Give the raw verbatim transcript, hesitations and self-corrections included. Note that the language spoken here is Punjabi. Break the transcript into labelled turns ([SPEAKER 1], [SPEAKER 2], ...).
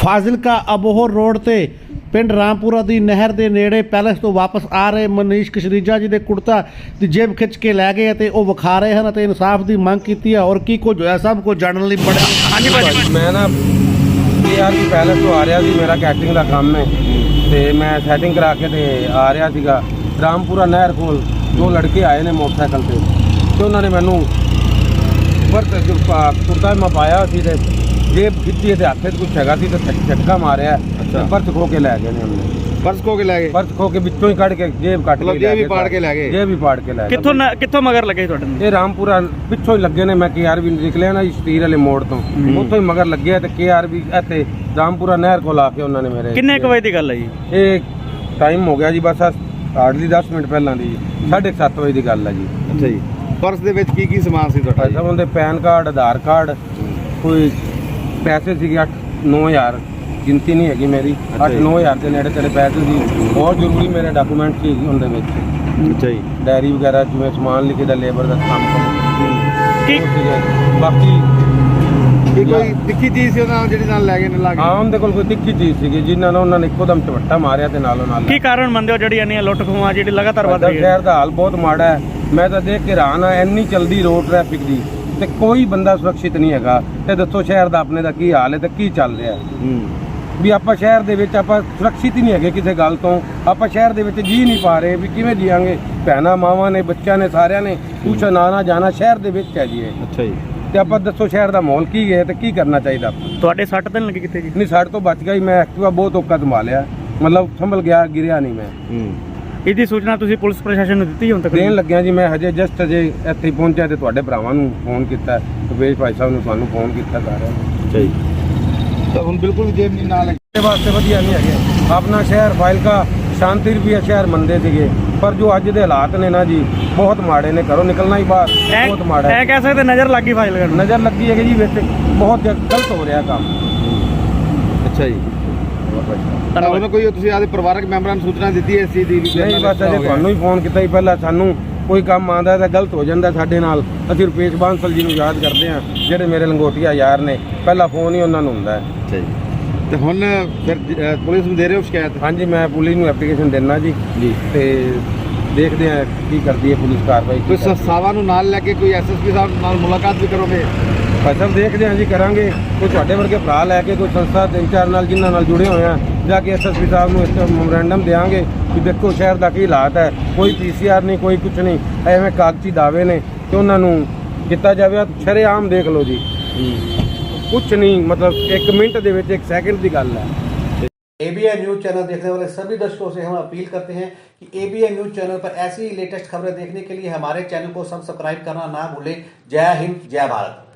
[SPEAKER 1] ਫਾਜ਼ਿਲਕਾ ਅਬੋਹਰ ਰੋਡ ਤੇ ਪਿੰਡ ਰਾਮਪੁਰਾ ਦੀ ਨਹਿਰ ਦੇ ਨੇੜੇ ਪੈਲਸ ਤੋਂ ਵਾਪਸ ਆ ਰਹੇ ਮਨੀਸ਼ ਕਸ਼ਰੀਜਾ ਜੀ ਦੇ ਕੁੜਤਾ ਦੀ ਜੇਬ ਖਿੱਚ ਕੇ ਲੈ ਗਏ ਅਤੇ ਉਹ ਵਿਖਾ ਰਹੇ ਹਨ ਅਤੇ ਇਨਸਾਫ ਦੀ ਮੰਗ ਕੀਤੀ ਹੈ। ਔਰ ਕੀ ਕੁਝ ਹੋਇਆ ਸਭ ਕੁਝ ਜਾਣਨ ਲਈ ਬੜੇ
[SPEAKER 2] ਹਾਂਜੀ ਭਾਜੀ,
[SPEAKER 3] ਮੈਂ ਨਾ ਯਾਰ ਦੀ ਪੈਲਸ ਤੋਂ ਆ ਰਿਹਾ ਸੀ, ਮੇਰਾ ਕੈਟਰਿੰਗ ਦਾ ਕੰਮ ਹੈ ਤੇ ਮੈਂ ਸੈਟਿੰਗ ਕਰਾ ਕੇ ਤੇ ਆ ਰਿਹਾ ਸੀਗਾ। ਰਾਮਪੁਰਾ ਨਹਿਰ ਕੋਲ ਦੋ ਲੜਕੇ ਆਏ ਨੇ ਮੋਟਰਸਾਈਕਲ ਤੇ ਤੇ ਉਹਨਾਂ ਨੇ ਮੈਨੂੰ ਵਰਤ ਕੁੜਤਾ ਮੈਂ ਪਾਇਆ ਸੀ ਤੇ ਜੇਬ ਖਿੱਚੀ ਤੇ ਹੱਥ 'ਚ ਕੁਛ ਹੈਗਾ ਸੀ ਤੇ ਝਟਕਾ ਮਾਰਿਆ। ਪਰਸ ਖੋ ਕੇ ਲੈ ਗਏ ਨੇ ਉਹਨੇ।
[SPEAKER 4] ਪਰਸ ਖੋ ਕੇ ਲੈ ਗਏ?
[SPEAKER 3] ਪਰਸ ਖੋ ਕੇ ਵਿੱਚੋਂ ਹੀ ਕੱਢ ਕੇ ਜੇਬ ਕੱਟ ਕੇ
[SPEAKER 4] ਜੇਬ ਵੀ ਪਾੜ ਕੇ ਲੈ ਗਏ?
[SPEAKER 3] ਜੇਬ ਵੀ ਪਾੜ ਕੇ ਲੈ ਗਏ।
[SPEAKER 2] ਕਿੱਥੋਂ ਕਿੱਥੋਂ ਮਗਰ ਲੱਗੇ ਤੁਹਾਡੇ ਨੂੰ?
[SPEAKER 3] ਇਹ ਰਾਮਪੁਰਾ ਪਿੱਛੋਂ ਹੀ ਲੱਗੇ ਨੇ। ਮੈਂ ਕੇ ਆਰ ਵੀ ਨਿਕਲਿਆ ਨਾ ਸ਼ਤੀਰ ਵਾਲੇ ਮੋੜ ਤੋਂ, ਉੱਥੋਂ ਹੀ ਮਗਰ ਲੱਗਿਆ ਤੇ ਕੇ ਆਰ ਵੀ ਇੱਥੇ ਰਾਮਪੁਰਾ ਨਹਿਰ ਕੋਲ ਆ ਕੇ ਉਹਨਾਂ ਨੇ ਮੇਰੇ।
[SPEAKER 2] ਕਿੰਨੇ ਕੁ ਵਜੇ ਦੀ ਗੱਲ ਹੈ ਜੀ?
[SPEAKER 3] ਇਹ ਟਾਈਮ ਹੋ ਗਿਆ ਜੀ ਬਸ ਹਾਰਡਲੀ ਦਸ ਮਿੰਟ ਪਹਿਲਾਂ ਦੀ, ਸਾਢੇ ਸੱਤ ਵਜੇ ਦੀ ਗੱਲ ਹੈ ਜੀ।
[SPEAKER 4] ਅੱਛਾ ਜੀ। ਪਰਸ ਦੇ ਵਿੱਚ ਕੀ ਕੀ ਸਮਾਨ ਸੀ ਤੁਹਾਡਾ?
[SPEAKER 3] ਸਭ ਉਹਦੇ ਪੈਨ ਕਾਰਡ, ਆਧਾਰ ਕਾਰਡ, ਕੋਈ ਪੈਸੇ ਸੀਗੇ ਅੱਠ ਨੌ ਹਜ਼ਾਰ, ਗਿਣਤੀ ਨਹੀਂ ਹੈਗੀ ਮੇਰੀ, ਅੱਠ ਨੌ ਹਜ਼ਾਰ ਦੇ ਨੇੜੇ ਤੇੜੇ ਪੈਸੇ ਸੀ। ਬਹੁਤ ਜ਼ਰੂਰੀ ਮੇਰੇ ਡਾਕੂਮੈਂਟ ਸੀ ਉਹਦੇ ਵਿੱਚ।
[SPEAKER 4] ਅੱਛਾ ਜੀ।
[SPEAKER 3] ਡਾਇਰੀ ਵਗੈਰਾ ਜਿਵੇਂ ਸਮਾਨ ਲਿਖੇ ਦਾ ਲੇਬਰ ਦਾ ਕੰਮ ਕੰਮ
[SPEAKER 2] ਕੀ
[SPEAKER 3] ਬਾਕੀ
[SPEAKER 4] ਇਹ ਕੋਈ ਤਿੱਖੀ ਚੀਜ਼ ਸੀ ਉਹਨਾਂ ਨਾਲ ਜਿਹੜੀ ਨਾਲ ਲੈ ਗਏ ਨੇ ਲਾ ਕੇ?
[SPEAKER 3] ਹਾਂ, ਉਹਦੇ ਕੋਲ ਕੋਈ ਤਿੱਖੀ ਚੀਜ਼ ਸੀਗੀ ਜਿਨ੍ਹਾਂ ਨਾਲ ਉਹਨਾਂ ਨੇ ਇੱਕੋ ਦਮ ਝਵੱਟਾ ਮਾਰਿਆ ਤੇ ਨਾਲੋਂ ਨਾਲ।
[SPEAKER 2] ਕੀ ਕਾਰਨ ਮੰਨਦੇ ਹੋ ਜਿਹੜੀ ਇੰਨੀਆਂ ਲੁੱਟ ਖੋਹਾਂ ਜਿਹੜੀ ਲਗਾਤਾਰ ਵੱਧ ਰਹੀ ਹੈ?
[SPEAKER 3] ਸ਼ਹਿਰ ਦਾ ਹਾਲ ਬਹੁਤ ਮਾੜਾ ਹੈ। ਮੈਂ ਤਾਂ ਦੇਖ ਕੇ ਹੈਰਾਨ ਆ, ਇੰਨੀ ਚਲਦੀ ਰੋਡ ਟ੍ਰੈਫਿਕ ਦੀ ਤੇ ਕੋਈ ਬੰਦਾ ਸੁਰੱਖਿਅਤ ਨਹੀਂ ਹੈਗਾ। ਤੇ ਦੱਸੋ ਸ਼ਹਿਰ ਦਾ ਆਪਣੇ ਦਾ ਕੀ ਹਾਲ ਹੈ ਤੇ ਕੀ ਚੱਲ ਰਿਹਾ ਵੀ? ਆਪਾਂ ਸ਼ਹਿਰ ਦੇ ਵਿੱਚ ਆਪਾਂ ਸੁਰੱਖਿਅਤ ਹੀ ਨਹੀਂ ਹੈਗੇ ਕਿਸੇ ਗੱਲ ਤੋਂ। ਆਪਾਂ ਸ਼ਹਿਰ ਦੇ ਵਿੱਚ ਜੀ ਨਹੀਂ ਪਾ ਰਹੇ ਵੀ ਕਿਵੇਂ ਜੀਵਾਂਗੇ? ਭੈਣਾਂ ਮਾਵਾਂ ਨੇ, ਬੱਚਿਆਂ ਨੇ, ਸਾਰਿਆਂ ਨੇ ਟਿਊਸ਼ਨ ਆਉਣਾ ਜਾਣਾ ਸ਼ਹਿਰ ਦੇ ਵਿੱਚ ਹੈ ਜੀ ਇਹ।
[SPEAKER 4] ਅੱਛਾ ਜੀ।
[SPEAKER 3] ਤੇ ਆਪਾਂ ਦੱਸੋ ਸ਼ਹਿਰ ਦਾ ਮਾਹੌਲ ਕੀ ਹੈ ਤੇ ਕੀ ਕਰਨਾ ਚਾਹੀਦਾ ਆਪਾਂ?
[SPEAKER 2] ਤੁਹਾਡੇ ਸੱਟ ਤਾਂ ਨਹੀਂ ਲੱਗੀ ਕਿਤੇ ਜੀ?
[SPEAKER 3] ਨਹੀਂ, ਸਾਡੇ ਤੋਂ ਬਚ ਗਿਆ ਹੀ। ਮੈਂ ਐਕਟਿਵਾ ਬਹੁਤ ਔਕਾ ਸੰਭਾਲਿਆ, ਮਤਲਬ ਸੰਭਲ ਗਿਆ, ਗਿਰਿਆ ਨਹੀਂ ਮੈਂ।
[SPEAKER 2] ਇਹਦੀ ਸੂਚਨਾ ਤੁਸੀਂ ਪੁਲਿਸ ਪ੍ਰਸ਼ਾਸਨ ਨੂੰ ਦਿੱਤੀ ਹੁਣ ਤੱਕ?
[SPEAKER 3] ਦੇਣ ਲੱਗਿਆ ਜੀ ਮੈਂ ਹਜੇ ਜਸਟ ਅਜੇ ਇੱਥੇ ਪਹੁੰਚਿਆ ਤੇ ਤੁਹਾਡੇ ਭਰਾਵਾਂ ਨੂੰ ਫੋਨ ਕੀਤਾ, ਸੁਬੇਸ਼ ਭਾਈ ਸਾਹਿਬ ਨੂੰ ਤੁਹਾਨੂੰ ਫੋਨ ਕੀਤਾ ਸਾਰਿਆਂ ਨੂੰ।
[SPEAKER 4] ਅੱਛਾ ਜੀ। ਤਾਂ ਹੁਣ ਬਿਲਕੁਲ ਵੀ ਜੇਬ ਨਹੀਂ ਨਾਲ ਹੈ?
[SPEAKER 3] ਇਹ ਵਾਸਤੇ ਵਧੀਆ ਨਹੀਂ ਹੈਗੇ। ਆਪਣਾ ਸ਼ਹਿਰ ਫਾਜ਼ਿਲਕਾ ਸ਼ਾਂਤੀ ਰੁਪਈਆ ਸ਼ਹਿਰ ਮੰਨਦੇ ਸੀਗੇ, ਪਰ ਜੋ ਅੱਜ ਦੇ ਹਾਲਾਤ ਨੇ ਨਾ ਜੀ ਬਹੁਤ ਮਾੜੇ ਨੇ। ਘਰੋਂ ਨਿਕਲਣਾ ਹੀ ਬਾਹਰ ਬਹੁਤ ਮਾੜਾ ਹੈ।
[SPEAKER 2] ਇਹ ਕਹਿ ਸਕਦੇ ਨਜ਼ਰ ਲੱਗੀ ਫਾਜ਼ਿਲਕਾ ਨੂੰ?
[SPEAKER 3] ਨਜ਼ਰ ਲੱਗੀ ਹੈਗੀ ਜੀ, ਵਿੱਚ ਬਹੁਤ ਗਲਤ ਹੋ ਰਿਹਾ ਕੰਮ।
[SPEAKER 4] ਅੱਛਾ ਜੀ। ਤਾਂ ਉਹਨਾਂ ਕੋਈ ਤੁਸੀਂ ਆਦੇ ਪਰਿਵਾਰਕ ਮੈਂਬਰਾਂ ਨੂੰ ਸੂਚਨਾ ਦਿੱਤੀ ਹੈ ਇਸ ਚੀਜ਼ ਦੀ?
[SPEAKER 3] ਨਹੀਂ, ਬਸ ਅਜੇ ਤੁਹਾਨੂੰ ਹੀ ਫੋਨ ਕੀਤਾ ਹੀ। ਪਹਿਲਾਂ ਸਾਨੂੰ ਕੋਈ ਕੰਮ ਆਉਂਦਾ ਤਾਂ ਗਲਤ ਹੋ ਜਾਂਦਾ ਸਾਡੇ ਨਾਲ, ਅਸੀਂ ਰੁਪੇਸ਼ ਬਾਂਸਲ ਜੀ ਨੂੰ ਯਾਦ ਕਰਦੇ ਹਾਂ ਜਿਹੜੇ ਮੇਰੇ ਲੰਗੋਟੀਆ ਯਾਰ ਨੇ। ਪਹਿਲਾ ਫੋਨ ਹੀ ਉਹਨਾਂ ਨੂੰ ਹੁੰਦਾ ਹੈ।
[SPEAKER 4] ਅੱਛਾ ਜੀ। ਤੇ ਹੁਣ ਫਿਰ ਪੁਲਿਸ ਨੂੰ ਦੇ ਰਹੇ ਹੋ ਸ਼ਿਕਾਇਤ?
[SPEAKER 3] ਹਾਂਜੀ, ਮੈਂ ਪੁਲਿਸ ਨੂੰ ਐਪਲੀਕੇਸ਼ਨ ਦੇਣਾ ਜੀ
[SPEAKER 4] ਜੀ
[SPEAKER 3] ਤੇ ਦੇਖਦੇ ਹਾਂ ਕੀ ਕਰਦੀ ਹੈ ਪੁਲਿਸ ਕਾਰਵਾਈ।
[SPEAKER 4] ਕੋਈ ਸੰਸਥਾਵਾਂ ਨੂੰ ਨਾਲ ਲੈ ਕੇ ਕੋਈ ਐਸ ਐਸ ਪੀ ਸਾਹਿਬ ਨਾਲ ਮੁਲਾਕਾਤ ਵੀ ਕਰੋਗੇ?
[SPEAKER 3] ਫਸਲ ਦੇਖਦੇ ਹਾਂ ਜੀ, ਕਰਾਂਗੇ। ਕੋਈ ਤੁਹਾਡੇ ਵਰਗੇ ਭਰਾ ਲੈ ਕੇ ਕੋਈ ਸੰਸਥਾ ਤਿੰਨ ਚਾਰ ਨਾਲ ਜਿਨ੍ਹਾਂ ਨਾਲ ਜੁੜੇ ਹੋਏ ਆ ਜਾ ਕੇ ਐਸ ਐਸ ਪੀ ਸਾਹਿਬ ਨੂੰ ਇੱਕ ਮੈਮੋਰੈਂਡਮ ਦੇਵਾਂਗੇ ਕਿ ਦੇਖੋ ਸ਼ਹਿਰ ਦਾ ਕੀ ਹਾਲਾਤ ਹੈ। ਕੋਈ ਪੀ ਸੀ ਆਰ ਨਹੀਂ, ਕੋਈ ਕੁਛ ਨਹੀਂ, ਐਵੇਂ ਕਾਗਜ਼ੀ ਦਾਅਵੇ ਨੇ ਤੇ ਉਹਨਾਂ ਨੂੰ ਕੀਤਾ ਜਾਵੇ। ਸ਼ਰੇਆਮ ਦੇਖ ਲਓ ਜੀ, कुछ नहीं, मतलब एक मिनट दे विच एक सेकंड की गल है।
[SPEAKER 1] एबीएन न्यूज चैनल देखने वाले सभी दर्शकों से हम अपील करते हैं कि एबीएन न्यूज चैनल पर ऐसी लेटेस्ट खबरें देखने के लिए हमारे चैनल को सब्सक्राइब करना ना भूलें। जय हिंद, जय भारत।